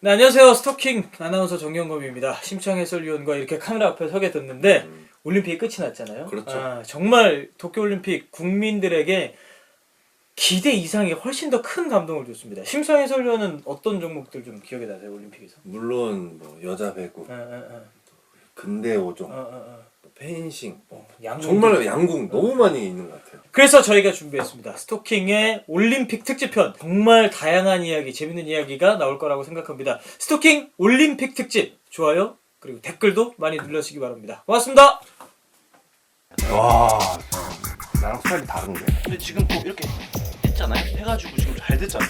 네, 안녕하세요. 스토킹 아나운서 정영검입니다. 심창 해설위원과 이렇게 카메라 앞에 서게 됐는데 올림픽이 끝이 났잖아요. 그렇죠. 정말 도쿄올림픽 국민들에게 기대 이상의 훨씬 더 큰 감동을 줬습니다. 심창 해설위원은 어떤 종목들 좀 기억에 나세요? 올림픽에서? 물론 뭐 여자 배구, 근대 오종, 펜싱, 양궁. 정말 양궁 너무 많이 있는 것 같아요. 그래서 저희가 준비했습니다. 스토킹의 올림픽 특집편. 정말 다양한 이야기, 재밌는 이야기가 나올 거라고 생각합니다. 스토킹 올림픽 특집. 좋아요, 그리고 댓글도 많이 눌러주시기 바랍니다. 고맙습니다. 와, 나랑 스타일이 다른데. 근데 지금 또 이렇게 했잖아요. 해가지고 지금 잘 됐잖아요.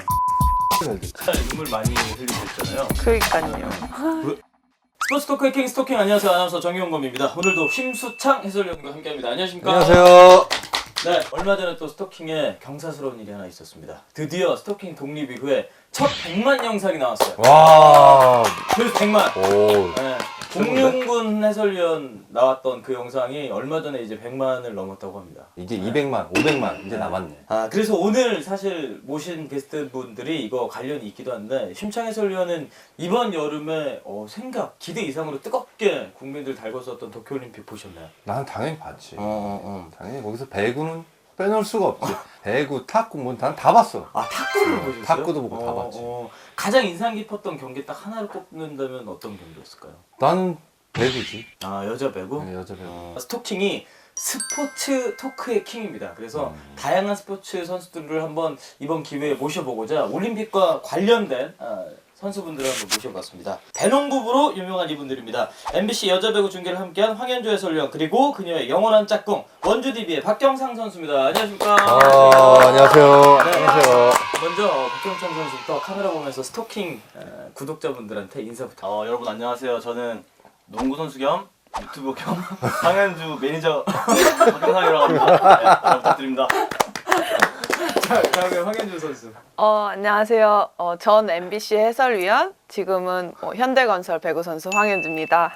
눈물 많이 흘리셨잖아요. 그러니까요. 스포츠 토크의 킹 스토킹, 안녕하세요. 아나운서 정영검입니다. 오늘도 심수창 해설위원과 함께합니다. 안녕하십니까? 안녕하세요. 네, 얼마 전에 또 스토킹에 경사스러운 일이 하나 있었습니다. 드디어 스토킹 독립 이후에 첫 100만 영상이 나왔어요. 와, 그래서 100만. 오, 네, 공룡군 해설위원 나왔던 그 영상이 얼마 전에 이제 100만을 넘었다고 합니다. 이제 200만, 500만 이제 남았네. 그래서 오늘 사실 모신 게스트분들이 이거 관련이 있기도 한데, 심창 해설위원은 이번 여름에 생각, 기대 이상으로 뜨겁게 국민들 달궜었던 도쿄올림픽 보셨나요? 난 당연히 봤지. 당연히 거기서 배구는 빼놓을 수가 없지. 배구, 탁구, 뭐 난 다 봤어. 탁구를 보셨어요? 탁구도 보고 다 봤지. 가장 인상 깊었던 경기 딱 하나를 꼽는다면 어떤 경기였을까요? 나는 배구지. 여자 배구? 네, 여자 배구. 스토킹이 스포츠 토크의 킹입니다. 그래서 다양한 스포츠 선수들을 한번 이번 기회에 모셔보고자 올림픽과 관련된 선수분들을 한번 모셔봤습니다. 배농부부로 유명한 이분들입니다. MBC 여자 배구 중계를 함께한 황현주 해설위원, 그리고 그녀의 영원한 짝꿍 원주DB의 박경상 선수입니다. 안녕하십니까? 안녕하세요. 네. 안녕하세요. 먼저 박경상 선수부터 카메라 보면서 스토킹 구독자분들한테 인사부터. 여러분 안녕하세요. 저는 농구 선수 겸 유튜버 겸 황현주 매니저 박경상이라고 합니다. 네, 잘 부탁드립니다. 자, 다음에 황현주 선수. 안녕하세요. 전 MBC 해설위원, 지금은 현대건설 배구 선수 황현주입니다.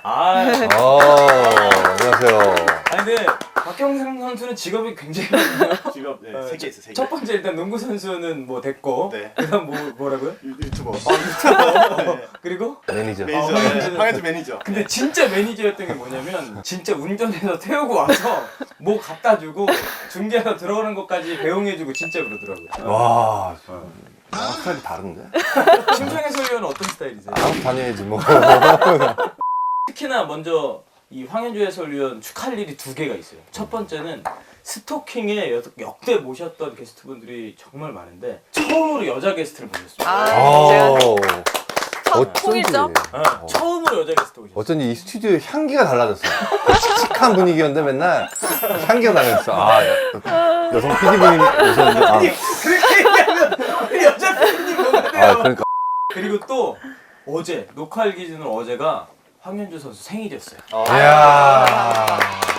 안녕하세요. 근데 박경상 선수는 직업이 굉장히 많아요. 직업 세 개 있어, 세 개. 첫 번째 일단 농구 선수는 뭐 됐고, 네. 그다음 뭐라고요? 유튜버. 네. 그리고 매니저. 매니저. 네, 황현주 매니저. 근데 진짜 매니저였던 게 뭐냐면, 진짜 운전해서 태우고 와서 뭐 갖다 주고 중계해서 들어오는 것까지 배웅해주고 진짜 그러더라고요. 와, 나랑 스타일이 다른데. 심창 해설위원은 어떤 스타일이세요? 나랑 다녀야지 뭐. 특히나 먼저 이 황현주 해설위원 축하할 일이 두 개가 있어요. 첫 번째는 스토킹에 역대 모셨던 게스트분들이 정말 많은데 처음으로 여자 게스트를 모셨습니다. 제가 첫 어쩐지. 통일점? 처음으로 여자 게스트 오셨어요. 어쩐지 이 스튜디오의 향기가 달라졌어. 칙칙한 분위기였는데 맨날 향기가 달라졌어. 여성 PD분이 오셨는데. 그렇게 얘기하면 여자 팬님 뭐가 돼요? 그러니까. 그리고 또 어제 녹화일 기준으로 어제가 황현주 선수 생일이었어요. 이야.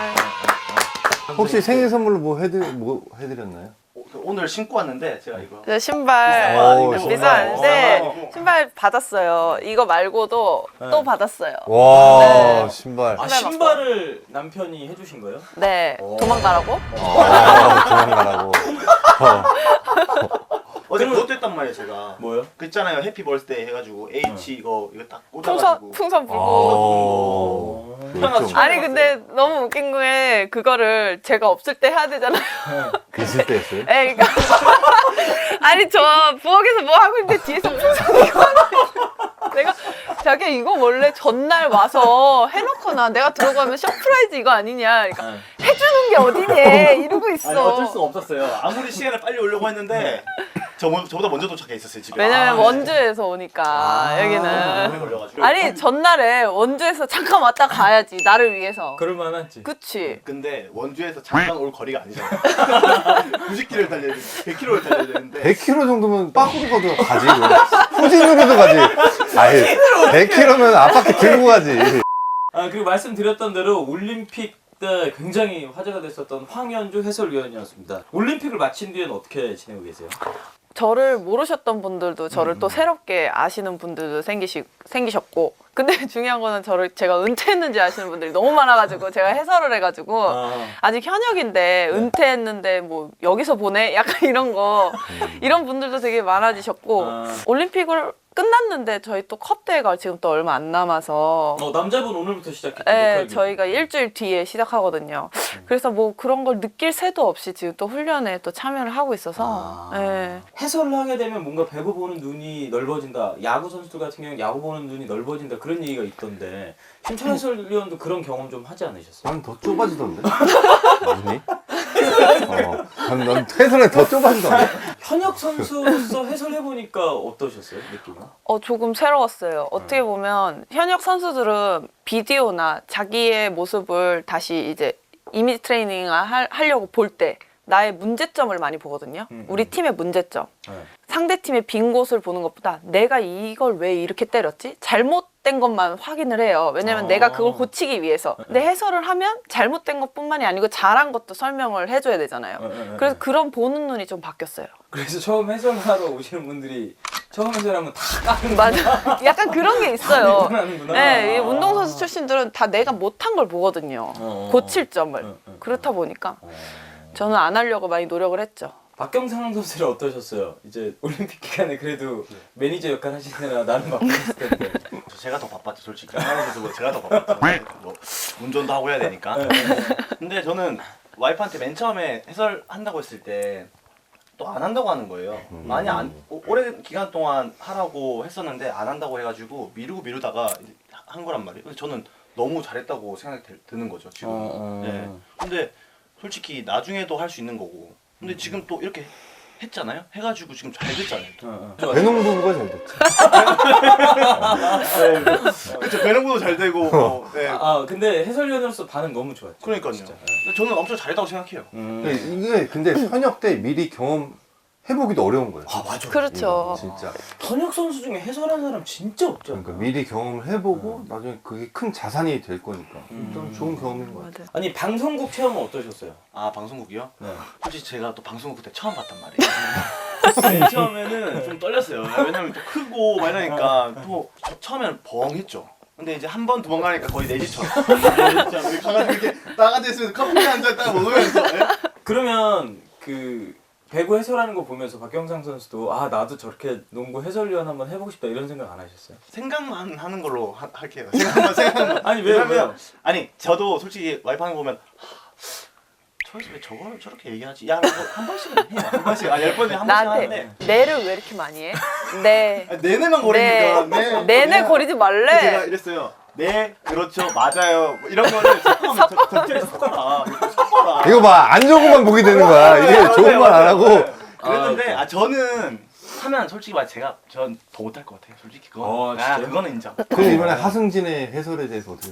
혹시 생일 선물로 뭐 해드렸나요? 오늘 신고 왔는데 제가 이거 저 신발 오, 비싼데 신발 받았어요. 이거 말고도 또 받았어요. 와, 네. 신발. 신발을 남편이 해주신 거예요? 네, 도망가라고? 도망가라고. 어제 그것도 했단 말이에요, 제가. 뭐요? 그 있잖아요. 해피 벌스데이 해가지고 H 이거 딱 꽂아가지고. 풍선 불고. 오. 편하죠. 아니 근데 너무 웃긴 게 그거를 제가 없을 때 해야 되잖아요. 있을 때 했어요? 에, 그러니까 아니 저 부엌에서 뭐 하고 있는데 뒤에서 풍선 이거 하는 거야. 내가 자기 이거 원래 전날 와서 해놓거나 내가 들어가면 서프라이즈 이거 아니냐. 그러니까 해주는 게 어디니 이러고 있어. 아니 어쩔 수가 없었어요. 아무리 시간을 빨리 오려고 했는데 저보다 먼저 도착해 있었어요, 집에. 왜냐면 원주에서 오니까 오래 여기는. 걸려가지고. 아니 전날에 원주에서 잠깐 왔다 가야지 나를 위해서. 그럴만하지. 그치. 근데 원주에서 잠깐 올 거리가 아니잖아. 90km를 달려야 되는데 100km를 달려야 되는데 100km 정도면 빠꾸로도 가지. 후진으로도 가지. 아니, 100km면 앞바퀴 들고 가지. 그리고 말씀드렸던 대로 올림픽 때 굉장히 화제가 됐었던 황현주 해설위원이었습니다. 올림픽을 마친 뒤에는 어떻게 지내고 계세요? 저를 모르셨던 분들도 저를 또 새롭게 아시는 분들도 생기셨고, 근데 중요한 거는 제가 은퇴했는지 아시는 분들이 너무 많아가지고 제가 해설을 해가지고 아직 현역인데 은퇴했는데 뭐 여기서 보내? 약간 이런 거 이런 분들도 되게 많아지셨고 올림픽을 끝났는데 저희 또 컵 대회가 지금 또 얼마 안 남아서 남자분 오늘부터 시작했죠. 네, 저희가 일주일 뒤에 시작하거든요. 그래서 뭐 그런 걸 느낄 새도 없이 지금 또 훈련에 또 참여를 하고 있어서 네. 해설을 하게 되면 뭔가 배구 보는 눈이 넓어진다. 야구 선수들 같은 경우는 야구 보는 눈이 넓어진다. 그런 얘기가 있던데 신천 해설위원도 그런 경험 좀 하지 않으셨어요? 난 더 좁아지던데. 아니? 난 해설에 더 좁아지던데. 현역 선수로서 해설해보니까 어떠셨어요? 느낌은? 조금 새로웠어요. 어떻게 보면 현역 선수들은 비디오나 자기의 모습을 다시 이제 이미지 트레이닝을 하려고 볼 때 나의 문제점을 많이 보거든요. 우리 팀의 문제점. 네. 상대 팀의 빈 곳을 보는 것보다 내가 이걸 왜 이렇게 때렸지? 잘못된 것만 확인을 해요. 왜냐면 내가 그걸 고치기 위해서. 근데 해설을 하면 잘못된 것뿐만이 아니고 잘한 것도 설명을 해줘야 되잖아요. 그래서 그런 보는 눈이 좀 바뀌었어요. 그래서 처음 해설하러 오시는 분들이 처음 해설하면 다 까는 맞아. 약간 그런 게 있어요. 하는구나. 네, 이 운동선수 출신들은 다 내가 못한 걸 보거든요. 고칠 점을. 그렇다 보니까 저는 안 하려고 많이 노력을 했죠. 박경상 선수는 어떠셨어요? 이제 올림픽 기간에 그래도 매니저 역할 하시느라 나는 바빴을 텐데. 제가 더 바빴죠 솔직히. 한국에서 뭐 제가 더 바빴죠. 뭐 운전도 하고 해야 되니까. 근데 저는 와이프한테 맨 처음에 해설한다고 했을 때 또 안 한다고 하는 거예요. 많이 오랜 기간 동안 하라고 했었는데 안 한다고 해가지고 미루다가 한 거란 말이에요. 근데 저는 너무 잘했다고 생각이 드는 거죠 지금. 네. 근데 솔직히 나중에도 할 수 있는 거고. 근데 지금 또 이렇게 했잖아요. 해가지고 지금 잘 됐잖아요. 배농부가 잘 됐지. 그렇죠. 배낭부도 잘 되고. 뭐, 네. 근데 해설위원으로서 반응 너무 좋았죠. 그러니까요. 진짜. 근데 저는 엄청 잘했다고 생각해요. 이게 근데 현역 때 미리 경험해보기도 어려운 거예요. 맞아. 그렇죠. 진짜. 현역 선수 중에 해설한 사람 진짜 없죠. 그러니까 미리 경험을 해보고 나중에 그게 큰 자산이 될 거니까 좀 좋은 경험인 것 같아요. 맞아요. 아니 방송국 체험은 어떠셨어요? 방송국이요? 네. 솔직히 제가 또 방송국 그때 처음 봤단 말이에요. 맨 처음에는 좀 떨렸어요. 왜냐면 또 크고 막 이러니까 또 처음에는 벙했죠. 근데 이제 한 번, 두 번 가니까 거의 내 집처럼. 이렇게 가가지고 이렇게 나가져 있으면 커피 한 잔 딱 먹으면서. 그러면 그 배구 해설하는 거 보면서 박경상 선수도 나도 저렇게 농구 해설위원 한번 해보고 싶다 이런 생각 안 하셨어요? 생각만 하는 걸로 할게요. 생각만. 아니 왜요? 아니 저도 솔직히 와이프 하는 거 보면 저기서 왜 저걸 저렇게 얘기하지? 야, 한 번씩은 해. 한 번씩. 10번에 한 번씩 나한테 하는데. 내를 왜 이렇게 많이 해? 네. 내내만 거리니까. 내내 거리지 말래. 제가 이랬어요. 네, 그렇죠, 맞아요. 뭐 이런 거를 적절히 섞어라. 섞어라. 이거 봐, 안 좋은 것만 보게 되는 거야. 이게 좋은 말 안 하고. 그랬는데 저는 하면 솔직히 말 전 더 못할 것 같아요. 솔직히 그거. 진짜요? 그거는 인정. 그럼 이번에 하승진의 해설에 대해서 어떻게?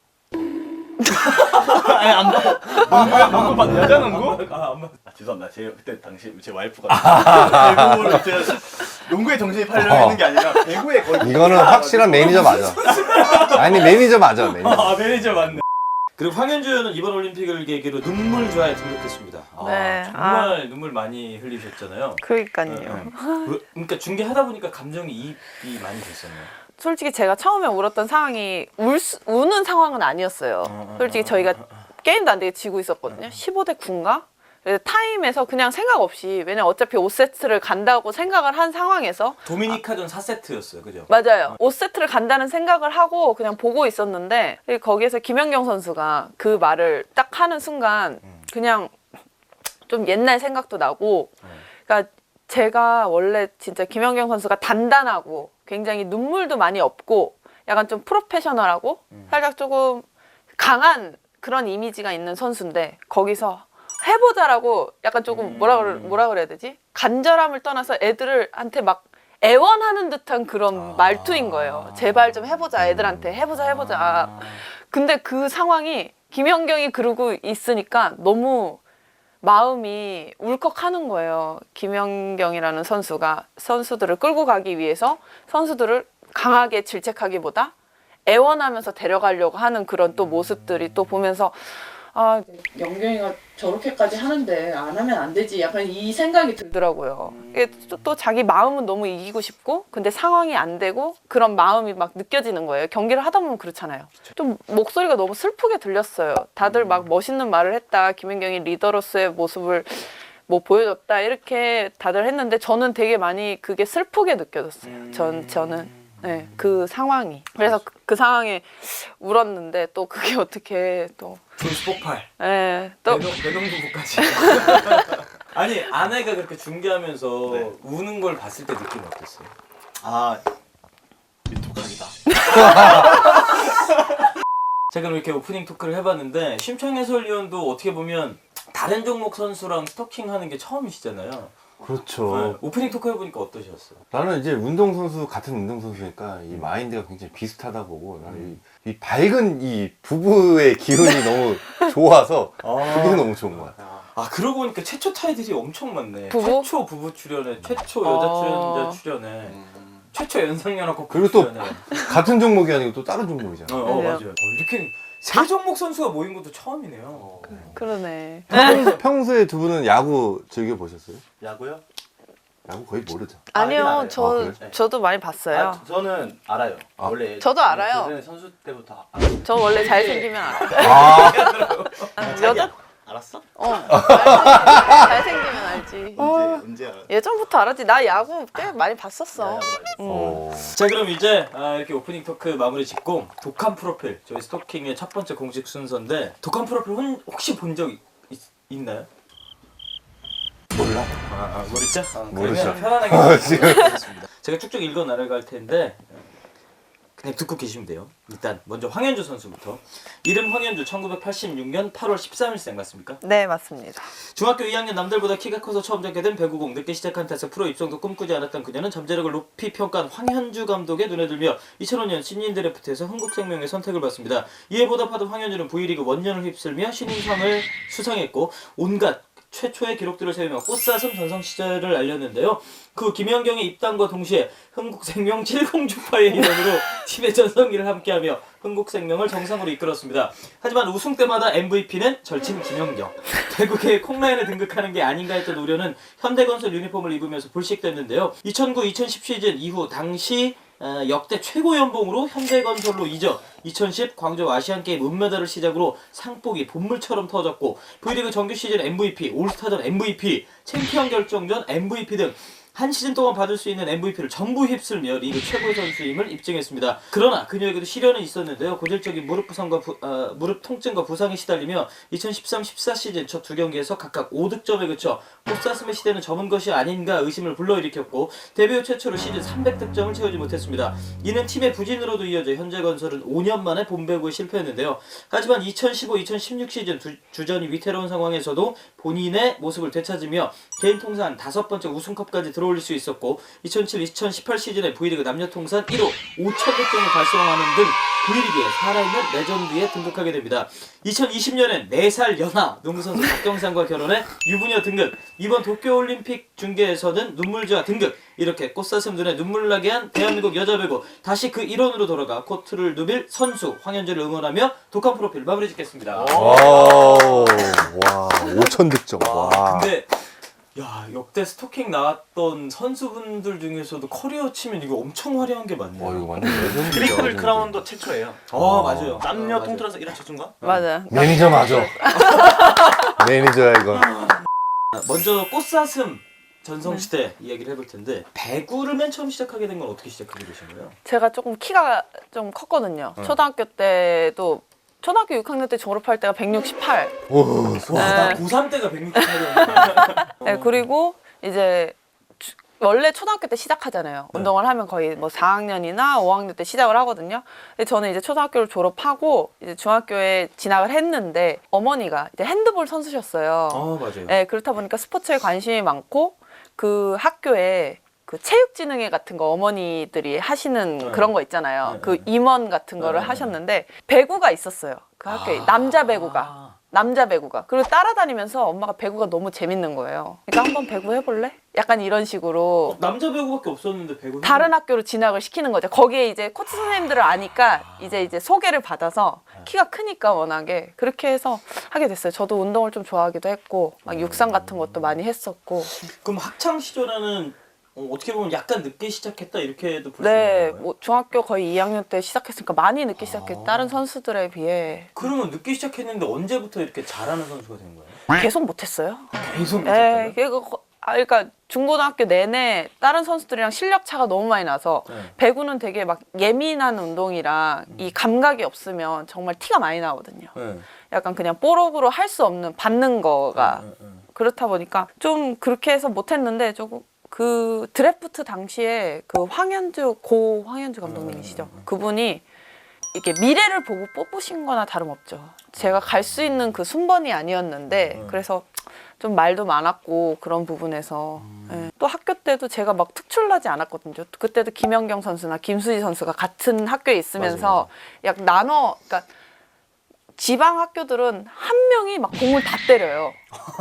아니 안 봐. 농구 봤 여자 농구? 안 봤. 죄송합니다. 그때 당시 제 와이프가 배구를 제가 농구에 정신이 팔려 있는 게 아니라 배구에 거의. 이거는 확실한 매니저 맞아. 아니 매니저 맞아, 매니저. 매니저 맞네. 그리고 황현주 의원은 이번 올림픽을 계기로 눈물좌에 등극했습니다. 네. 정말 눈물 많이 흘리셨잖아요. 그러니까요. 그러니까 중계하다 보니까 감정이 이입이 많이 됐었네요. 솔직히 제가 처음에 울었던 상황이 우는 상황은 아니었어요. 솔직히 저희가 게임도 안 되게 지고 있었거든요. 15대 9인가? 그래서 타임에서 그냥 생각 없이, 왜냐면 어차피 5세트를 간다고 생각을 한 상황에서 도미니카전 4세트였어요. 그죠? 맞아요. 5세트를 간다는 생각을 하고 그냥 보고 있었는데 거기에서 김연경 선수가 그 말을 딱 하는 순간 그냥 좀 옛날 생각도 나고, 그러니까 제가 원래 진짜 김연경 선수가 단단하고 굉장히 눈물도 많이 없고 약간 좀 프로페셔널하고 살짝 조금 강한 그런 이미지가 있는 선수인데 거기서 해보자라고 약간 조금 뭐라 그래야 되지? 간절함을 떠나서 애들한테 막 애원하는 듯한 그런 말투인 거예요. 제발 좀 해보자, 애들한테 해보자. 근데 그 상황이 김연경이 그러고 있으니까 너무 마음이 울컥하는 거예요. 김연경이라는 선수가 선수들을 끌고 가기 위해서 선수들을 강하게 질책하기보다 애원하면서 데려가려고 하는 그런 또 모습들이 또 보면서 연경이가 저렇게까지 하는데 안 하면 안 되지, 약간 이 생각이 들더라고요. 이게 또 자기 마음은 너무 이기고 싶고 근데 상황이 안 되고 그런 마음이 막 느껴지는 거예요. 경기를 하다 보면 그렇잖아요. 좀 목소리가 너무 슬프게 들렸어요. 다들 막 멋있는 말을 했다, 김연경이 리더로서의 모습을 뭐 보여줬다 이렇게 다들 했는데 저는 되게 많이 그게 슬프게 느껴졌어요. 저는 네, 그 상황이. 그래서 그 상황에 울었는데 또 그게 어떻게 또 조회수 폭발. 예, 또 배명부부까지. 아니 아내가 그렇게 중계하면서 네. 우는 걸 봤을 때 느낌이 어땠어요? 아 민통각이다. 제가 그럼 이렇게 오프닝 토크를 해봤는데 심창 해설위원도 어떻게 보면 다른 종목 선수랑 스토킹하는 게 처음이시잖아요. 그렇죠. 네, 오프닝 토크 해보니까 어떠셨어요? 나는 이제 운동선수, 같은 운동선수니까 이 마인드가 굉장히 비슷하다 보고, 나는 이 밝은 이 부부의 기운이 너무 좋아서, 그게 너무 좋은 것 같아. 아 그러고 보니까 최초 타이틀이 엄청 많네. 부부? 최초 부부 출연에, 최초 여자 출연자 출연에, 최초 연상연하 커플 그리고 또 출연에. 같은 종목이 아니고 또 다른 종목이잖아. 맞아요. 맞아요. 이렇게 세 종목 선수가 모인 것도 처음이네요. 그러네. 평소에 두 분은 야구 즐겨보셨어요? 야구요? 야구 거의 모르죠. 아니요, 알아요. 그래? 저도 많이 봤어요. 아, 저는 알아요. 아. 원래 저도 알아요. 예전에 선수 때부터 알아요. 저 원래 잘생기면 알아요. 아, 여자? 알았어? 알지. 잘생기면 알지. 언제 알았어? 예전부터 알았지. 나 야구 꽤 많이 봤었어. 자 그럼 이제 이렇게 오프닝 토크 마무리 짓고 독한 프로필 저희 스토킹의 첫 번째 공식 순서인데 독한 프로필 혹시 본 적 있나요? 몰라. 모르죠? 모르죠. 그러면 편안하게 지금 제가 쭉쭉 읽어 나갈 텐데 그냥 듣고 계시면 돼요. 일단 먼저 황현주 선수부터. 이름 황현주 1986년 8월 13일생 맞습니까? 네, 맞습니다. 중학교 2학년 남들보다 키가 커서 처음 잡게 된 배구공. 늦게 시작한 탓에 프로 입성도 꿈꾸지 않았던 그녀는 잠재력을 높이 평가한 황현주 감독의 눈에 들며 2005년 신인 드래프트에서 흥국생명의 선택을 받습니다. 이에 보답하던 황현주는 V리그 원년을 휩쓸며 신인상을 수상했고 온갖 최초의 기록들을 세우며 꽃사슴 전성 시절을 알렸는데요. 그 김연경의 입단과 동시에 흥국생명 70주파의 일원으로 팀의 전성기를 함께하며 흥국생명을 정상으로 이끌었습니다. 하지만 우승 때마다 MVP는 절친 김연경. 배구계의 콩라인에 등극하는 게 아닌가 했던 우려는 현대건설 유니폼을 입으면서 불식됐는데요. 2009-2010 시즌 이후 당시 역대 최고 연봉으로 현대건설로 이적, 2010 광저우 아시안게임 은메달을 시작으로 상복이 본물처럼 터졌고 V리그 정규 시즌 MVP, 올스타전 MVP, 챔피언 결정전 MVP 등 한 시즌 동안 받을 수 있는 MVP를 전부 휩쓸며 리그 최고의 선수임을 입증했습니다. 그러나 그녀에게도 시련은 있었는데요. 고질적인 무릎 부상과 무릎 통증과 부상에 시달리며 2013-14 시즌 첫 두 경기에서 각각 5득점에 그쳐 꽃사슴의 시대는 접은 것이 아닌가 의심을 불러일으켰고 데뷔 후 최초로 시즌 300득점을 채우지 못했습니다. 이는 팀의 부진으로도 이어져 현재건설은 5년 만에 본배구에 실패했는데요. 하지만 2015-2016 시즌 주전이 위태로운 상황에서도 본인의 모습을 되찾으며 개인 통산 5번째 우승컵까지 들어올릴 수 있었고 2007-2018 시즌에 V리그 남녀 통산 1호 5,000득점을 달성하는 등 V리그에 살아있는 레전드에 등극하게 됩니다. 2020년엔 4살 연하 농구선수 박경상과 결혼해 유부녀 등극, 이번 도쿄올림픽 중계에서는 눈물주와 등극, 이렇게 꽃사슴 눈에 눈물 나게 한 대한민국 여자 배구, 다시 그 일원으로 돌아가 코트를 누빌 선수 황현주를 응원하며 독한 프로필 마무리 짓겠습니다. 와, 5,000득점. 와. 근데 야 역대 스토킹 나왔던 선수분들 중에서도 커리어 치면 이거 엄청 화려한 게 많네요. 이거 완전 레전드다. 트리플 크라운도 최초예요. 맞아요. 남녀 맞아요. 통틀어서 1화 최초인가? 맞아. 매니저 맞아. 매니저야 이거. 먼저 꽃사슴 전성시대 이야기를 해볼 텐데 배구를 맨 처음 시작하게 된 건 어떻게 시작하게 되신 거예요? 제가 조금 키가 좀 컸거든요. 초등학교 때도 초등학교 6학년 때 졸업할 때가 168. 나 고3 때가 168이었는데 네, 그리고 이제 원래 초등학교 때 시작하잖아요. 운동을 하면 거의 뭐 4학년이나 5학년 때 시작을 하거든요. 근데 저는 이제 초등학교를 졸업하고 이제 중학교에 진학을 했는데 어머니가 이제 핸드볼 선수셨어요. 맞아요. 네, 그렇다 보니까 스포츠에 관심이 많고 그 학교에 그 체육진흥회 같은 거 어머니들이 하시는 그런 거 있잖아요. 그 임원 같은 거를 하셨는데 배구가 있었어요. 그 학교에 남자 배구가. 그리고 따라다니면서 엄마가 배구가 너무 재밌는 거예요. 그러니까 한번 배구 해볼래? 약간 이런 식으로 남자 배구밖에 없었는데 배구 다른 학교로 진학을 시키는 거죠. 거기에 이제 코치 선생님들을 아니까 이제 소개를 받아서 키가 크니까 워낙에 그렇게 해서 하게 됐어요. 저도 운동을 좀 좋아하기도 했고 막 육상 같은 것도 많이 했었고. 그럼 학창 시절에는 어떻게 보면 약간 늦게 시작했다 이렇게도 볼 수 네, 있는 거예요? 뭐 중학교 거의 2학년 때 시작했으니까 많이 늦게 시작했. 다른 선수들에 비해. 그러면 늦게 시작했는데 언제부터 이렇게 잘하는 선수가 된 거예요? 계속 못했어요. 계속 예, 못했다고요? 그러니까 중고등학교 내내 다른 선수들이랑 실력 차가 너무 많이 나서 네. 배구는 되게 막 예민한 운동이라 이 감각이 없으면 정말 티가 많이 나거든요. 네. 약간 그냥 뽀록으로 할 수 없는 받는 거가 그렇다 보니까 좀 그렇게 해서 못했는데 조금 그 드래프트 당시에 그 고 황현주 감독님이시죠. 그분이 이렇게 미래를 보고 뽑으신 거나 다름없죠. 제가 갈 수 있는 그 순번이 아니었는데 그래서 좀 말도 많았고 그런 부분에서 예. 또 학교 때도 제가 막 특출나지 않았거든요. 그때도 김연경 선수나 김수지 선수가 같은 학교에 있으면서 약 나눠 그러니까 지방 학교들은 한 명이 막 공을 다 때려요.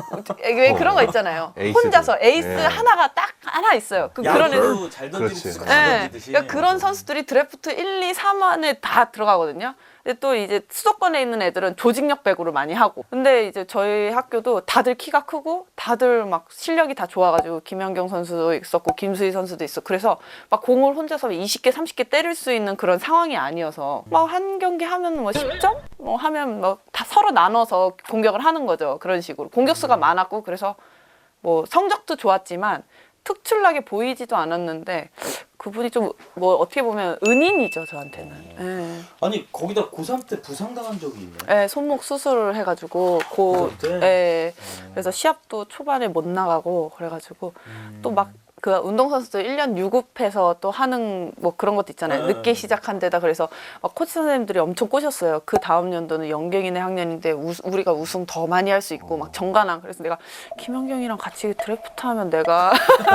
왜 그런 거 있잖아요. 에이스들. 혼자서 에이스 네. 하나가 딱 하나 있어요. 그런 애들. 야구도 잘 던지는 그렇지. 투수가 네. 잘 던지듯이. 그러니까 그런 선수들이 드래프트 1, 2, 3 안에 다 들어가거든요. 근데 또 이제 수도권에 있는 애들은 조직력 배구를 많이 하고. 근데 이제 저희 학교도 다들 키가 크고 다들 막 실력이 다 좋아가지고 김연경 선수도 있었고 김수희 선수도 있었고 그래서 막 공을 혼자서 20개, 30개 때릴 수 있는 그런 상황이 아니어서 막 한 경기 하면 뭐 10점? 뭐 하면 뭐 다 서로 나눠서 공격을 하는 거죠. 그런 식으로. 공격수가 많았고 그래서 뭐 성적도 좋았지만 특출나게 보이지도 않았는데 그분이 좀 뭐 어떻게 보면 은인이죠 저한테는. 예. 아니 거기다 고3 때 부상당한 적이 있네. 예, 손목 수술을 해가지고 그때? 예, 그래서 시합도 초반에 못 나가고 그래가지고 또 막 그 운동선수들 1년 유급해서 또 하는 뭐 그런 것도 있잖아요. 늦게 시작한 데다 그래서 막 코치 선생님들이 엄청 꼬셨어요. 그 다음 연도는 연경이네 학년인데 우리가 우승 더 많이 할 수 있고 막 정관왕. 그래서 내가 김연경이랑 같이 드래프트 하면 내가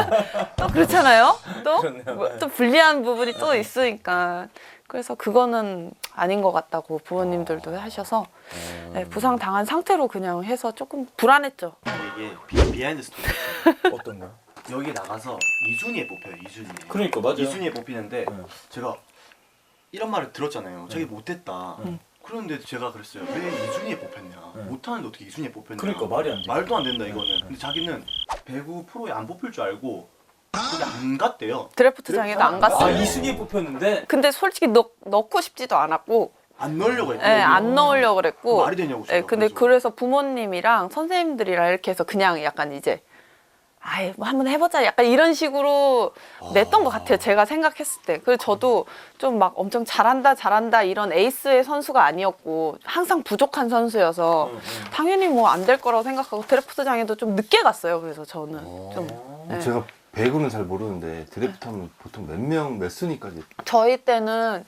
또 그렇잖아요. 또? 그렇네요. 뭐, 또 불리한 부분이 또 있으니까. 그래서 그거는 아닌 것 같다고 부모님들도 하셔서 네, 부상 당한 상태로 그냥 해서 조금 불안했죠. 이게 비하인드 스토리. 어떤 거? 여기 나가서 이순위에 뽑혀요. 이순위에. 그러니까 맞아요. 이순위에 뽑히는데 네. 제가 이런 말을 들었잖아요. 자기 못했다. 그런데 제가 그랬어요. 왜 이순위에 뽑혔냐? 못하는데 어떻게 이순위에 뽑혔냐? 그러니까 말이 안 돼. 말도 안 된다 이거는. 근데 자기는 배구 프로에 안 뽑힐 줄 알고 거기 안 갔대요. 드래프트장에도 안 갔어요. 아 이순위에 뽑혔는데 근데 솔직히 넣고 싶지도 않았고 안 넣으려고 했고. 예, 안 넣으려고 그랬고 말이 되냐고. 예, 근데 그래서 부모님이랑 선생님들이랑 이렇게 해서 그냥 약간 이제 아이 뭐 한번 해보자 약간 이런 식으로 냈던 것 같아요. 제가 생각했을 때. 그래서 저도 좀 막 엄청 잘한다 이런 에이스의 선수가 아니었고 항상 부족한 선수여서 당연히 뭐 안 될 거라고 생각하고 드래프트장에도 좀 늦게 갔어요. 그래서 저는 좀 예. 제가 배구는 잘 모르는데 드래프트 하면 보통 몇 순위까지? 저희 때는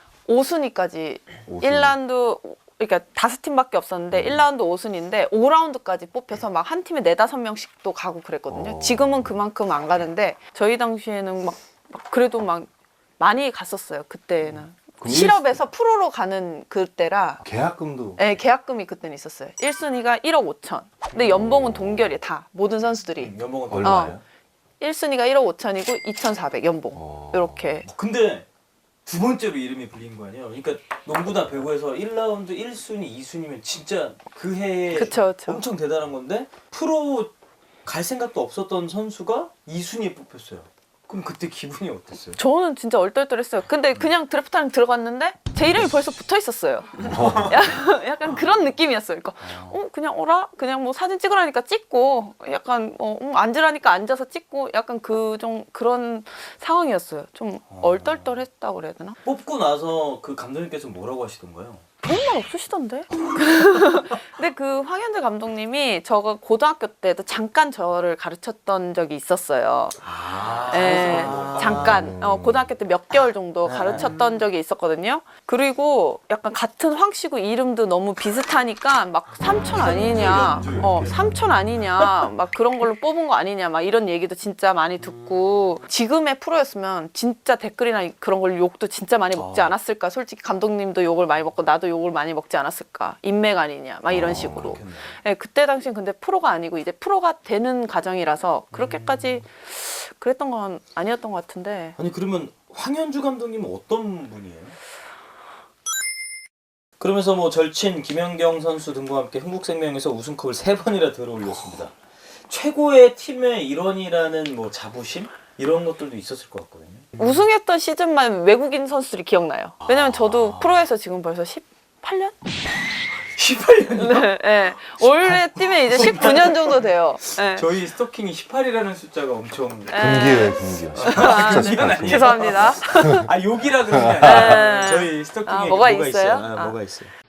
5순위까지 5순위. 1라운드 그러니까 5팀밖에 없었는데 1라운드 5순위인데 5라운드까지 뽑혀서 막 한 팀에 4-5명씩 또 가고 그랬거든요. 지금은 그만큼 안 가는데 저희 당시에는 막 그래도 막 많이 갔었어요. 그때는. 그럼 실업에서 프로로 가는 그때라 계약금도 네, 계약금이 그때는 있었어요. 1순위가 1억 5천. 근데 연봉은 동결이에요. 다 모든 선수들이. 연봉은 더 얼마예요? 1순위가 1억 5천이고 2,400 연봉. 이렇게. 근데 두 번째로 이름이 불린 거 아니에요? 그러니까 농구나 배구에서 1라운드 1순위, 2순위면 진짜 그 해에 그쵸, 그쵸. 엄청 대단한 건데 프로 갈 생각도 없었던 선수가 2순위에 뽑혔어요. 그럼 그때 기분이 어땠어요? 저는 진짜 얼떨떨했어요. 근데 그냥 드래프트랑 들어갔는데 제 이름이 벌써 붙어 있었어요. 약간 그런 느낌이었어요. 그러니까 그냥 오라 그냥 뭐 사진 찍으라니까 찍고 약간 앉으라니까 앉아서 찍고 약간 그런 상황이었어요. 좀 얼떨떨했다고 그래야 되나? 뽑고 나서 그 감독님께서 뭐라고 하시던가요? 그런 말 없으시던데? 근데 그 황현재 감독님이 저가 고등학교 때도 잠깐 저를 가르쳤던 적이 있었어요. 네, 잠깐 고등학교 때 몇 개월 정도 가르쳤던 적이 있었거든요. 그리고 약간 같은 황씨고 이름도 너무 비슷하니까 막 삼촌 아니냐, 삼촌 아니냐, 막 그런 걸로 뽑은 거 아니냐, 막 이런 얘기도 진짜 많이 듣고 지금의 프로였으면 진짜 댓글이나 그런 걸 욕도 진짜 많이 먹지 않았을까. 솔직히 감독님도 욕을 많이 먹고 나도 욕을 많이 먹지 않았을까. 인맥 아니냐, 막 이런 식으로. 네, 그때 당시엔 근데 프로가 아니고 이제 프로가 되는 과정이라서 그렇게까지 그랬던 건 아니었던 것 같은데. 아니 그러면 황현주 감독님은 어떤 분이에요? 그러면서 뭐 절친 김연경 선수 등과 함께 흥국생명에서 우승컵을 3번이나 들어올렸습니다. 최고의 팀의 일원이라는 뭐 자부심 이런 것들도 있었을 것 같거든요. 우승했던 시즌만 외국인 선수들이 기억나요. 왜냐면 저도 프로에서 지금 벌써 18년? 18년이요? 네, 네. 올해 뛰면 이제 19년 정도 돼요. 네. 저희 스토킹이 18이라는 숫자가 엄청 금기예요, 금기요. 이건 아니에요. 죄송합니다. 아 욕이라 그런 게 아니라 네. 저희 스토킹에 아, 뭐가 있어요? 뭐가 있어요?